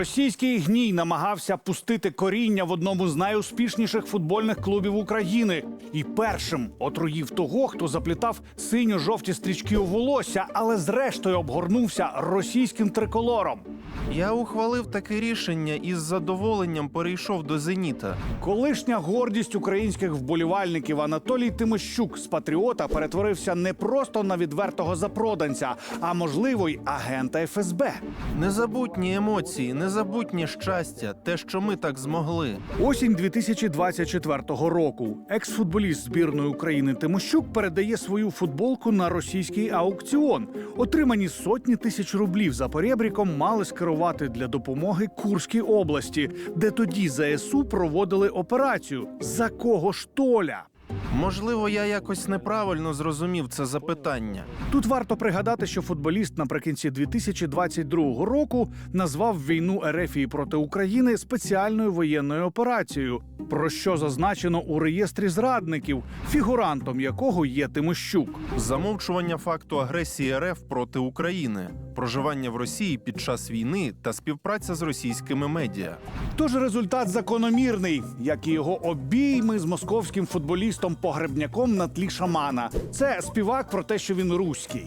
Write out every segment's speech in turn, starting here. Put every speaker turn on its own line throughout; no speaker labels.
Російський гній намагався пустити коріння в одному з найуспішніших футбольних клубів України. І першим отруїв того, хто заплітав синьо-жовті стрічки у волосся, але зрештою обгорнувся російським триколором.
Я ухвалив таке рішення і з задоволенням перейшов до «Зеніта».
Колишня гордість українських вболівальників Анатолій Тимощук з патріота перетворився не просто на відвертого запроданця, а можливо й агента ФСБ.
Незабутні емоції, незабутнє щастя, те, що ми так змогли.
Осінь 2024 року. Екс-футболіст збірної України Тимощук передає свою футболку на російський аукціон. Отримані сотні тисяч рублів за поребріком мали скерувати для допомоги Курській області, де тоді ЗСУ проводили операцію. За кого ж Толя?
Можливо, я якось неправильно зрозумів це запитання.
Тут варто пригадати, що футболіст наприкінці 2022 року назвав війну Ерефії проти України спеціальною воєнною операцією, про що зазначено у реєстрі зрадників, фігурантом якого є Тимощук.
Замовчування факту агресії РФ проти України, проживання в Росії під час війни та співпраця з російськими медіа.
Тож результат закономірний, як і його обійми з московським футболістом-погребняком на тлі шамана. Це співак про те, що він руський.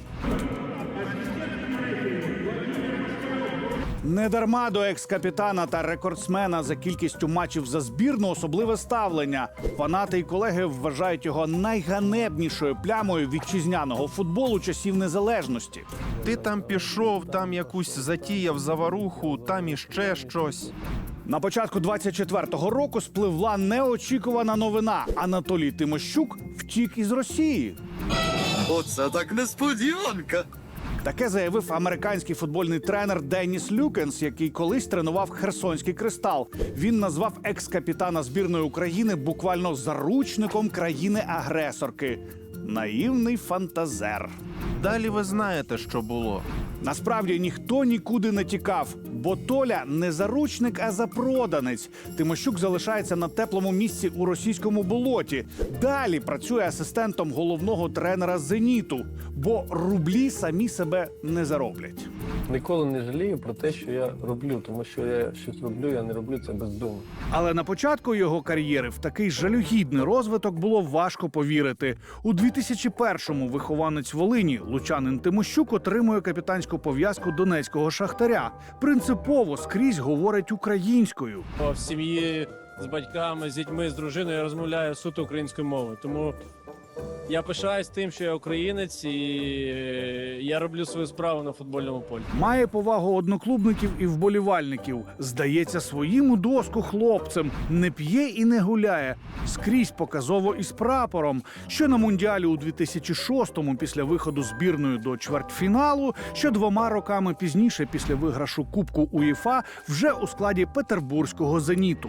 Недарма до екс-капітана та рекордсмена за кількістю матчів за збірну особливе ставлення. Фанати і колеги вважають його найганебнішою плямою вітчизняного футболу часів незалежності.
Ти там пішов, там якусь затіяв заваруху, там іще щось.
На початку 24-го року спливла неочікувана новина. Анатолій Тимощук втік із Росії.
Оце так несподіванка.
Таке заявив американський футбольний тренер Деніс Люкенс, який колись тренував Херсонський «Кристал». Він назвав екс-капітана збірної України буквально заручником країни-агресорки. Наївний фантазер.
Далі ви знаєте, що було.
Насправді ніхто нікуди не тікав, бо Толя не заручник, а запроданець. Тимощук залишається на теплому місці у російському болоті. Далі працює асистентом головного тренера «Зеніту», бо рублі самі себе не зароблять.
Ніколи не жалію про те, що я роблю, тому що я щось роблю, я не роблю це бездумно.
Але на початку його кар'єри в такий жалюгідний розвиток було важко повірити. У 2001-му вихованець Волині, лучанин Тимощук, отримує капітанську пов'язку донецького «Шахтаря». Принципово скрізь говорить українською.
В сім'ї з батьками, з дітьми, з дружиною я розмовляю суто українською мовою. Тому я пишаюсь тим, що я українець, і я роблю свою справу на футбольному полі.
Має повагу одноклубників і вболівальників. Здається своїм у доску хлопцем. Не п'є і не гуляє. Скрізь показово із прапором. Що на Мундіалі у 2006-му після виходу збірної до чвертьфіналу, що 2 роками пізніше після виграшу Кубку УЄФА вже у складі петербурзького «Зеніту».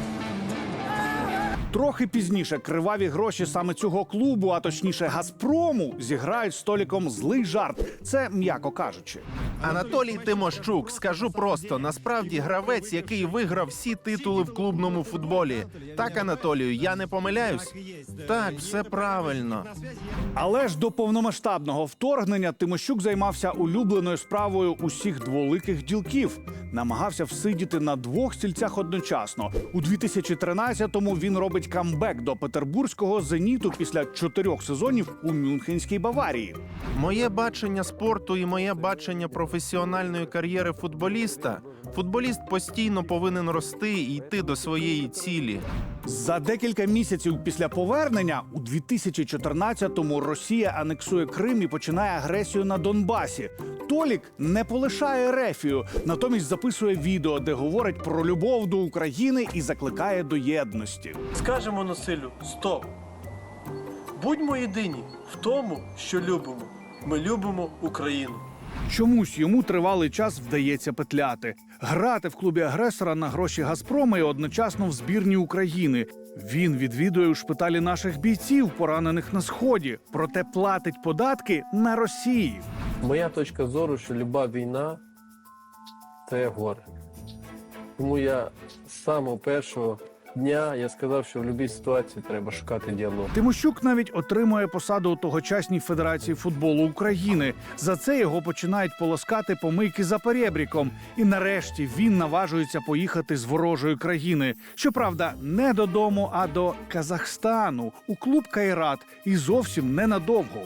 Трохи пізніше криваві гроші саме цього клубу, а точніше «Газпрому», зіграють століком злий жарт. Це м'яко кажучи.
Анатолій Тимощук, скажу просто, насправді гравець, який виграв всі титули в клубному футболі. Так, Анатолію, я не помиляюсь? Так, все правильно.
Але ж до повномасштабного вторгнення Тимощук займався улюбленою справою усіх дволиких ділків. Намагався всидіти на 2 стільцях одночасно. У 2013-му він робить камбек до петербурзького «Зеніту» після 4 сезонів у Мюнхенській Баварії.
Моє бачення спорту і моє бачення професіональної кар'єри футболіста. Футболіст постійно повинен рости і йти до своєї цілі.
За декілька місяців після повернення у 2014-му Росія анексує Крим і починає агресію на Донбасі. Толік не полишає Ерефію, натомість записує відео, де говорить про любов до України і закликає до єдності.
Скажемо насиллю «стоп». Будьмо єдині в тому, що любимо. Ми любимо Україну.
Чомусь йому тривалий час вдається петляти. Грати в клубі агресора на гроші «Газпрома» і одночасно в збірні України. Він відвідує у шпиталі наших бійців, поранених на Сході. Проте платить податки на Росії.
Моя точка зору, що люба війна – це горе. Тому я з самого першого дня я сказав, що в будь-якій ситуації треба шукати діалог.
Тимощук навіть отримує посаду у тогочасній Федерації футболу України. За це його починають полоскати помийки за перебріком. І нарешті він наважується поїхати з ворожої країни. Щоправда, не додому, а до Казахстану, у клуб «Кайрат». І зовсім ненадовго.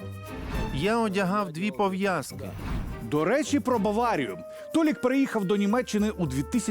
Я одягав 2 пов'язки.
До речі, про Баварію. Толік переїхав до Німеччини у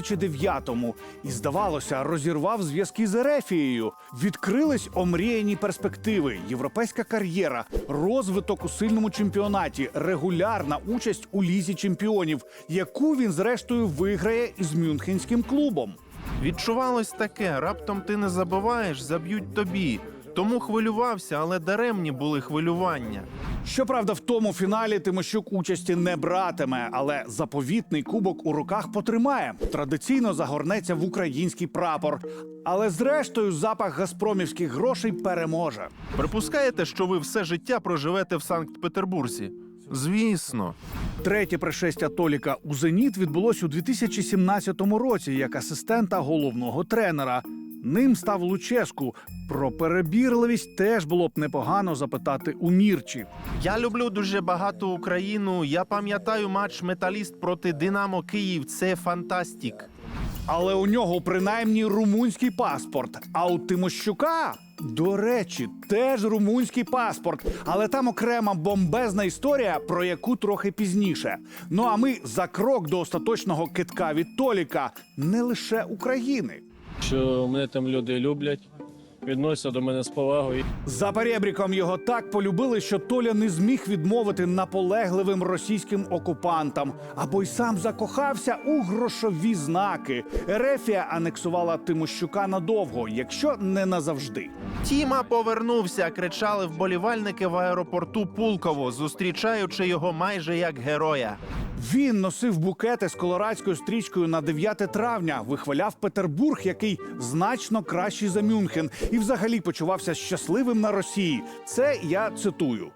2009-му і, здавалося, розірвав зв'язки з Ерефією. Відкрились омріяні перспективи, європейська кар'єра, розвиток у сильному чемпіонаті, регулярна участь у Лізі чемпіонів, яку він, зрештою, виграє із мюнхенським клубом.
Відчувалось таке: раптом ти не забиваєш, заб'ють тобі. Тому хвилювався, але даремні були хвилювання.
Щоправда, в тому фіналі Тимощук участі не братиме, але заповітний кубок у руках потримає. Традиційно загорнеться в український прапор. Але зрештою запах газпромівських грошей переможе.
Припускаєте, що ви все життя проживете в Санкт-Петербурзі? Звісно.
Третє пришестя Толіка у «Зеніт» відбулось у 2017 році як асистента головного тренера. Ним став Луческу. Про перебірливість теж було б непогано запитати у Мірчі.
Я люблю дуже багато Україну. Я пам'ятаю матч «Металіст» проти «Динамо Київ». Це фантастик.
Але у нього принаймні румунський паспорт. А у Тимощука, до речі, теж румунський паспорт. Але там окрема бомбезна історія, про яку трохи пізніше. Ну а ми за крок до остаточного кидка від Толіка. Не лише України.
Що мене там люди люблять, відносяться до мене з повагою.
За перебріком його так полюбили, що Толя не зміг відмовити наполегливим російським окупантам. Або й сам закохався у грошові знаки. Ерефія анексувала Тимощука надовго, якщо не назавжди.
Тіма повернувся, кричали вболівальники в аеропорту Пулково, зустрічаючи його майже як героя.
Він носив букети з колорадською стрічкою на 9 травня, вихваляв Петербург, який значно кращий за Мюнхен, і взагалі почувався щасливим на Росії. Це я цитую.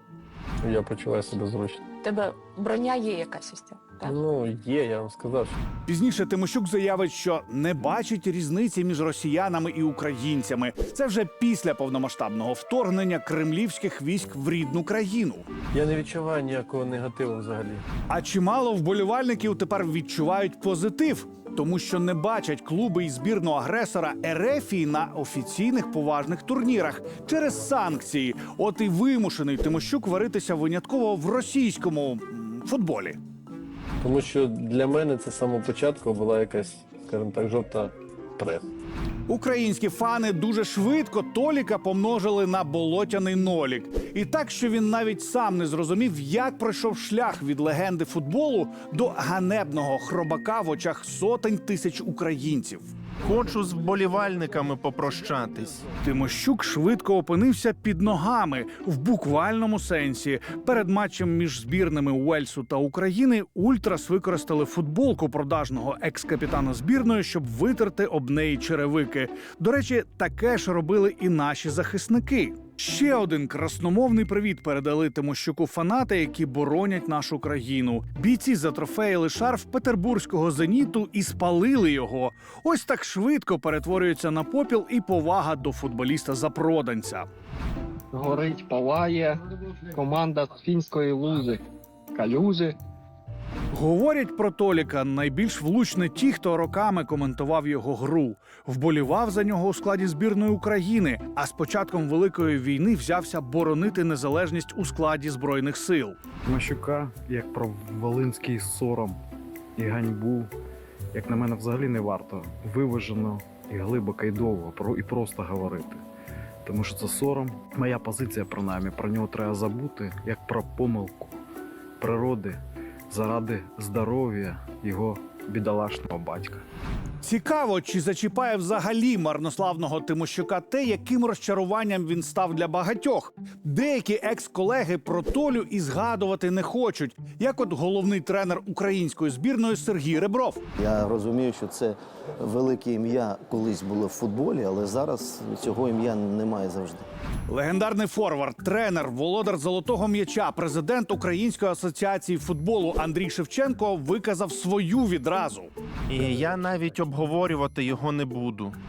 Я почуваю себе зручно.
У тебе броня є якась ось ця? Так.
Ну, є, я вам сказав, що
Пізніше Тимощук заявить, що не бачить різниці між росіянами і українцями. Це вже після повномасштабного вторгнення кремлівських військ в рідну країну.
я не відчуваю ніякого негативу взагалі.
А чимало вболівальників тепер відчувають позитив, тому що не бачать клуби і збірну агресора Ерефії на офіційних поважних турнірах через санкції. От і вимушений Тимощук варитися винятково в російському футболі.
Тому що для мене це з самого початку була якась, скажімо так, жовта преса.
Українські фани дуже швидко Толіка помножили на болотяний нолік. І так, що він навіть сам не зрозумів, як пройшов шлях від легенди футболу до ганебного хробака в очах сотень тисяч українців.
Хочу з вболівальниками попрощатись.
Тимощук швидко опинився під ногами в буквальному сенсі. Перед матчем між збірними Уельсу та України ультрас використали футболку продажного екс-капітана збірної, щоб витерти об неї черевики. До речі, таке ж робили і наші захисники. Ще один красномовний привіт передали Тимощуку фанати, які боронять нашу країну. Бійці затрофеїли шарф петербурзького «Зеніту» і спалили його. Ось так швидко перетворюється на попіл і повага до футболіста-запроданця.
Горить, палає команда з фінської лузи. Калюжі.
Говорять про Толіка найбільш влучне ті, хто роками коментував його гру. Вболівав за нього у складі збірної України, а з початком Великої війни взявся боронити незалежність у складі Збройних сил.
Тимощука, як про волинський сором і ганьбу, як на мене, взагалі не варто виважено і глибоко і довго і просто говорити. Тому що це сором. Моя позиція, принаймні, про нього треба забути, як про помилку природи заради здоров'я його бідолашного батька.
Цікаво, чи зачіпає взагалі марнославного Тимощука те, яким розчаруванням він став для багатьох. Деякі екс-колеги про Толю і згадувати не хочуть, як от головний тренер української збірної Сергій Ребров.
Я розумію, що це велике ім'я колись було в футболі, але зараз цього ім'я немає завжди.
Легендарний форвард, тренер, володар золотого м'яча, президент Української асоціації футболу Андрій Шевченко виказав свою відразу.
І я навіть обговорювати його не буду.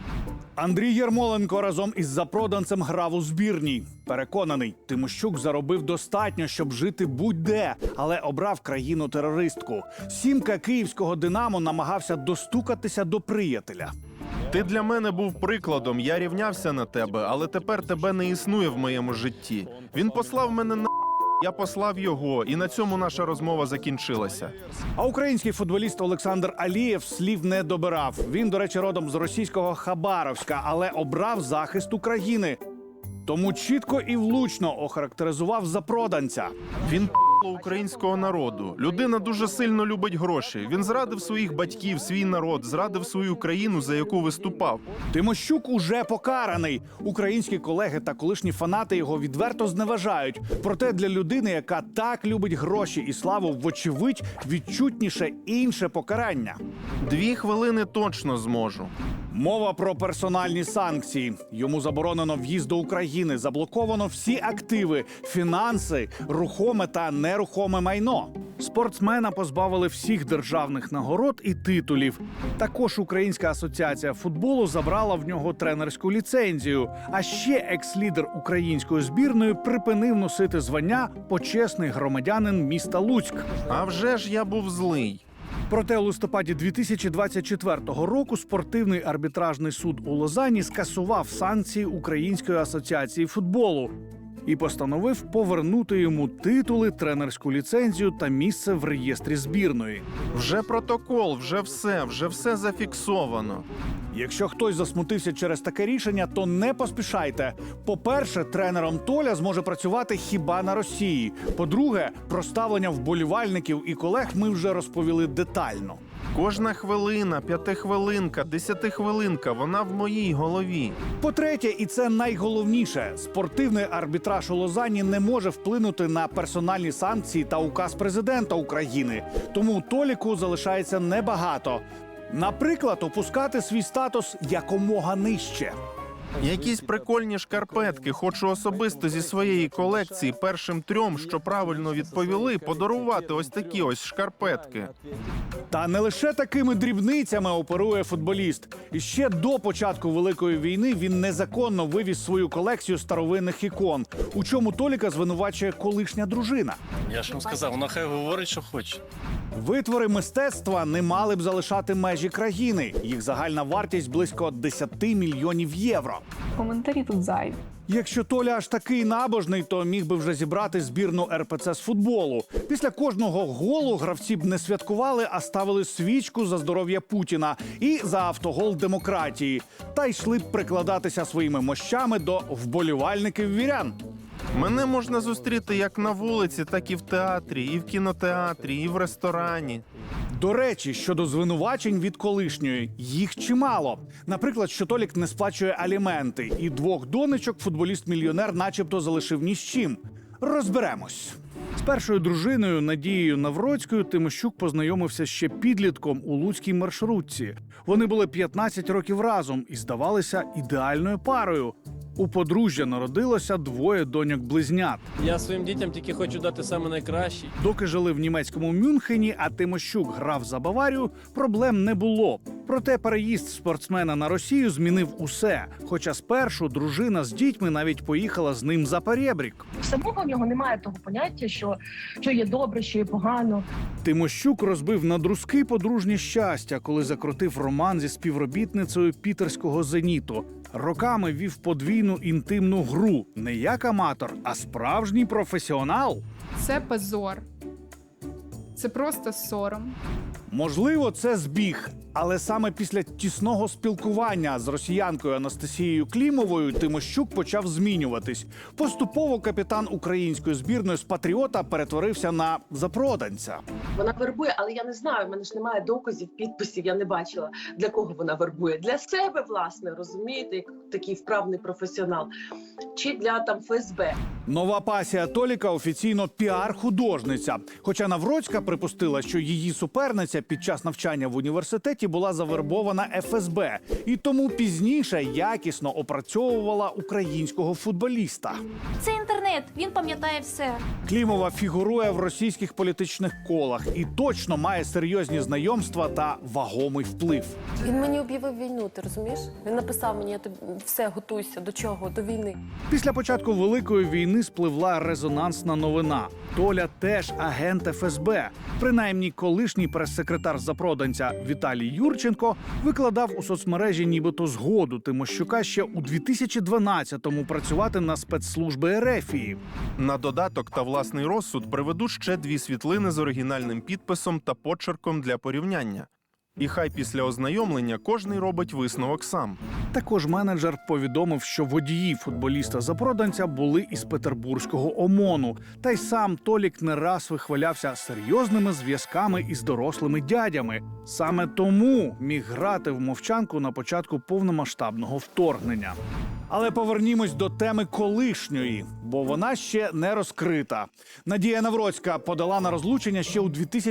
Андрій Єрмоленко разом із запроданцем грав у збірній. Переконаний, Тимощук заробив достатньо, щоб жити будь-де, але обрав країну-терористку. Сімка київського «Динамо» намагався достукатися до приятеля.
Ти для мене був прикладом, я рівнявся на тебе, але тепер тебе не існує в моєму житті. Він послав мене на я послав його, і на цьому наша розмова закінчилася.
А український футболіст Олександр Алієв слів не добирав. Він, до речі, родом з російського Хабаровська, але обрав захист України. Тому чітко і влучно охарактеризував запроданця.
Він українського народу. Людина дуже сильно любить гроші. Він зрадив своїх батьків, свій народ, зрадив свою країну, за яку виступав.
Тимощук уже покараний. Українські колеги та колишні фанати його відверто зневажають. Проте для людини, яка так любить гроші і славу, вочевидь, відчутніше інше покарання.
2 хвилини точно зможу.
Мова про персональні санкції. Йому заборонено в'їзд до України, заблоковано всі активи, фінанси, рухоме та нерухоме майно. Спортсмена позбавили всіх державних нагород і титулів. Також Українська асоціація футболу забрала в нього тренерську ліцензію. А ще екс-лідер української збірної припинив носити звання «почесний громадянин міста Луцьк».
А вже ж я був злий.
Проте у листопаді 2024 року спортивний арбітражний суд у Лозанні скасував санкції Української асоціації футболу і постановив повернути йому титули, тренерську ліцензію та місце в реєстрі збірної.
Вже протокол, вже все зафіксовано.
Якщо хтось засмутився через таке рішення, то не поспішайте. По-перше, тренером Толя зможе працювати хіба на Росії. По-друге, про ставлення вболівальників і колег ми вже розповіли детально.
Кожна хвилина, 5-хвилинка, 10-хвилинка, вона в моїй голові.
По-третє, і це найголовніше, спортивний арбітраж у Лозанні не може вплинути на персональні санкції та указ президента України. Тому Толіку залишається небагато. Наприклад, опускати свій статус якомога нижче.
Якісь прикольні шкарпетки хочу особисто зі своєї колекції першим 3, що правильно відповіли, подарувати ось такі ось шкарпетки.
Та не лише такими дрібницями оперує футболіст. І ще до початку Великої війни він незаконно вивіз свою колекцію старовинних ікон, у чому Толіка звинувачує колишня дружина.
Я ж вам сказав, вона хай говорить, що хоче.
Витвори мистецтва не мали б залишати межі країни. Їх загальна вартість близько 10 мільйонів євро.
Коментарі тут зайві.
Якщо Толя аж такий набожний, то міг би вже зібрати збірну РПЦ з футболу. Після кожного голу гравці б не святкували, а ставили свічку за здоров'я Путіна і за автогол демократії. Та йшли б прикладатися своїми мощами до вболівальників вірян.
Мене можна зустріти як на вулиці, так і в театрі, і в кінотеатрі, і в ресторані.
До речі, щодо звинувачень від колишньої, їх чимало. Наприклад, що Толік не сплачує аліменти, і 2 донечок футболіст-мільйонер начебто залишив ні з чим. Розберемось. З першою дружиною Надією Навроцькою Тимощук познайомився ще підлітком у луцькій маршрутці. Вони були 15 років разом і здавалися ідеальною парою. У подружжя народилося 2 доньок-близнят.
Я своїм дітям тільки хочу дати саме найкраще.
Доки жили в німецькому Мюнхені, а Тимощук грав за Баварію, проблем не було. Проте переїзд спортсмена на Росію змінив усе. Хоча спершу дружина з дітьми навіть поїхала з ним за перебрік.
Самого в нього немає того поняття, що є добре, що є погано.
Тимощук розбив на друзки подружнє щастя, коли закрутив роман зі співробітницею пітерського «Зеніту». Роками вів подвійну інтимну гру. Не як аматор, а справжній професіонал.
Це позор. Це просто сором.
Можливо, це збіг. Але саме після тісного спілкування з росіянкою Анастасією Клімовою Тимощук почав змінюватись. Поступово капітан української збірної з «Патріота» перетворився на запроданця.
Вона вербує, але я не знаю, в мене ж немає доказів, підписів, я не бачила, для кого вона вербує. Для себе, власне, розумієте, як такий вправний професіонал. Чи для там ФСБ.
Нова пасія Толіка офіційно піар-художниця. Хоча Навроцька припустила, що її суперниця під час навчання в університеті 20-ті була завербована ФСБ і тому пізніше якісно опрацьовувала українського футболіста.
Це інтернет, він пам'ятає все.
Клімова фігурує в російських політичних колах і точно має серйозні знайомства та вагомий вплив.
Він мені об'явив війну, ти розумієш? Він написав мені, все, готуйся, до чого? До війни.
Після початку Великої війни спливла резонансна новина. Толя теж агент ФСБ. Принаймні, колишній прес-секретар запроданця Віталій Юрченко викладав у соцмережі нібито згоду Тимощука ще у 2012-му працювати на спецслужби Ерефії.
На додаток та власний розсуд приведу ще 2 світлини з оригінальним підписом та почерком для порівняння. І хай після ознайомлення кожний робить висновок сам.
Також менеджер повідомив, що водії футболіста-запроданця були із петербурзького ОМОНу. Та й сам Толік не раз вихвалявся серйозними зв'язками із дорослими дядями. Саме тому міг грати в мовчанку на початку повномасштабного вторгнення. Але повернімось до теми колишньої, бо вона ще не розкрита. Надія Навроцька подала на розлучення ще у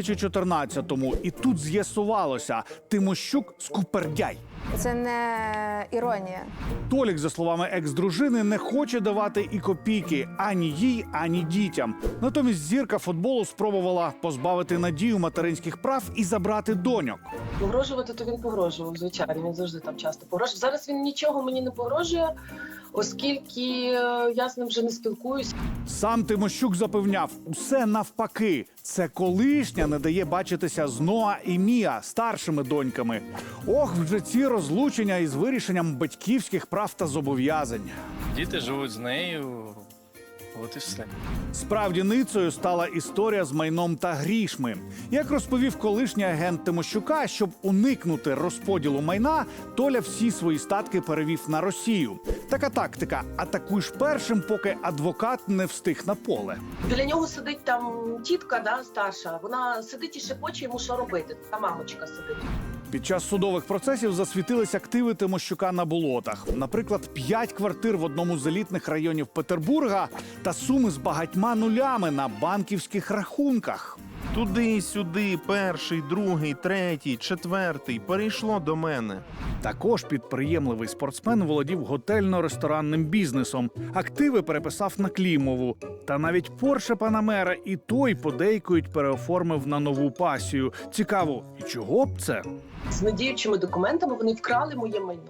2014-му. І тут з'ясувалося – Тимощук скупердяй.
Це не іронія.
Толік, за словами екс-дружини, не хоче давати і копійки ані їй, ані дітям. Натомість зірка футболу спробувала позбавити Надію материнських прав і забрати доньок.
Погрожувати, то він погрожував, звичайно. Він завжди там часто погрожував. Зараз він нічого мені не погрожує, оскільки я з ним вже не спілкуюся.
Сам Тимощук запевняв, усе навпаки. Це колишня не дає бачитися з Ноа і Міа, старшими доньками. Ох, вже ці розлучення із вирішенням батьківських прав та зобов'язань.
Діти живуть з нею, от і все.
Справді ницею стала історія з майном та грішми. Як розповів колишній агент Тимощука, щоб уникнути розподілу майна, Толя всі свої статки перевів на Росію. Така тактика – атакуєш першим, поки адвокат не встиг на поле.
Біля нього сидить там тітка, да, старша. Вона сидить і шепоче йому, що робити. Та мамочка сидить.
Під час судових процесів засвітились активи Тимощука на болотах. Наприклад, 5 квартир в одному з елітних районів Петербурга та суми з багатьма нулями на банківських рахунках.
Туди-сюди, перший, другий, третій, четвертий перейшло до мене.
Також підприємливий спортсмен володів готельно-ресторанним бізнесом. Активи переписав на Клімову. Та навіть Порше Панамера і той подейкують переоформив на нову пасію. Цікаво, і чого б це?
З недіючими документами вони вкрали моє майно.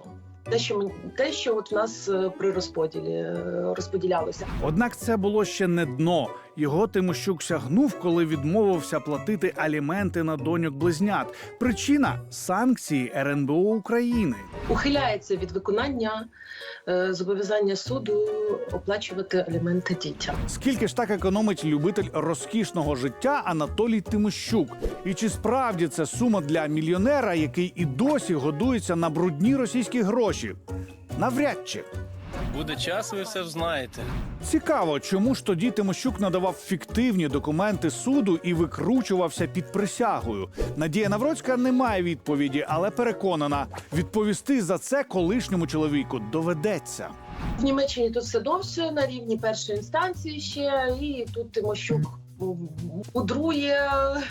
Те, що от в нас при розподілі розподілялося.
Однак це було ще не дно. Його Тимощук сягнув, коли відмовився платити аліменти на доньок-близнят. Причина – санкції РНБО України.
Ухиляється від виконання зобов'язання суду оплачувати аліменти дітям.
Скільки ж так економить любитель розкішного життя Анатолій Тимощук? І чи справді це сума для мільйонера, який і досі годується на брудні російські гроші? Навряд чи.
Буде час, ви все знаєте.
Цікаво, чому ж тоді Тимощук надавав фіктивні документи суду і викручувався під присягою? Надія Навроцька не має відповіді, але переконана, відповісти за це колишньому чоловіку доведеться.
В Німеччині тут все довше, на рівні першої інстанції ще, і тут Тимощук мудрує,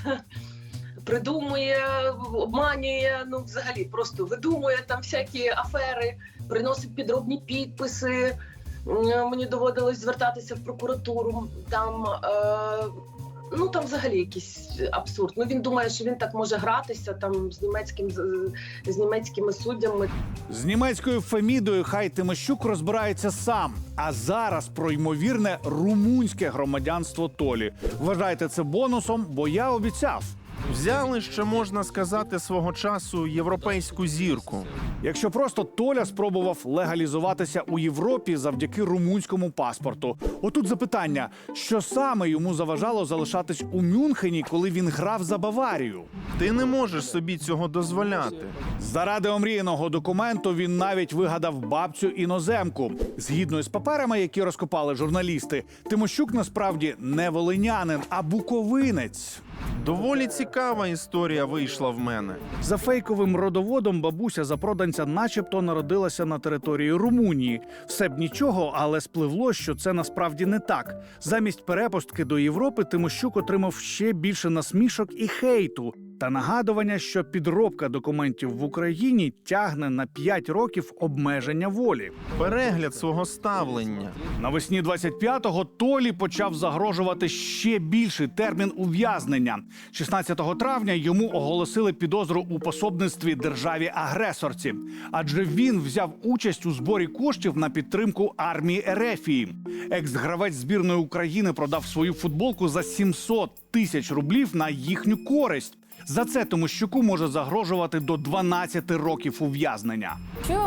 придумує, обманює, ну взагалі просто видумує там всякі афери, приносить підробні підписи. Мені доводилось звертатися в прокуратуру. Там, там взагалі якийсь абсурд. Ну він думає, що він так може гратися там з німецькими суддями.
З німецькою Фемідою хай Тимощук розбирається сам. А зараз про ймовірне румунське громадянство Толі. Вважайте це бонусом, бо я обіцяв.
Взяли, ще можна сказати, свого часу європейську зірку.
Якщо просто Толя спробував легалізуватися у Європі завдяки румунському паспорту. Отут запитання, що саме йому заважало залишатись у Мюнхені, коли він грав за Баварію?
Ти не можеш собі цього дозволяти.
Заради омріяного документу він навіть вигадав бабцю-іноземку. Згідно із паперами, які розкопали журналісти, Тимощук насправді не волинянин, а буковинець.
Доволі цікава історія вийшла в мене.
За фейковим родоводом бабуся запроданця начебто народилася на території Румунії. Все б нічого, але спливло, що це насправді не так. Замість перепустки до Європи Тимощук отримав ще більше насмішок і хейту. та нагадування, що підробка документів в Україні тягне на 5 років обмеження волі.
Перегляд свого ставлення.
Навесні 25-го Толі почав загрожувати ще більший термін ув'язнення. 16 травня йому оголосили підозру у пособництві державі-агресорці, адже він взяв участь у зборі коштів на підтримку армії Ерефії. Екс-гравець збірної України продав свою футболку за 700 тисяч рублів на їхню користь. За це Тимощуку може загрожувати до 12 років ув'язнення.
Що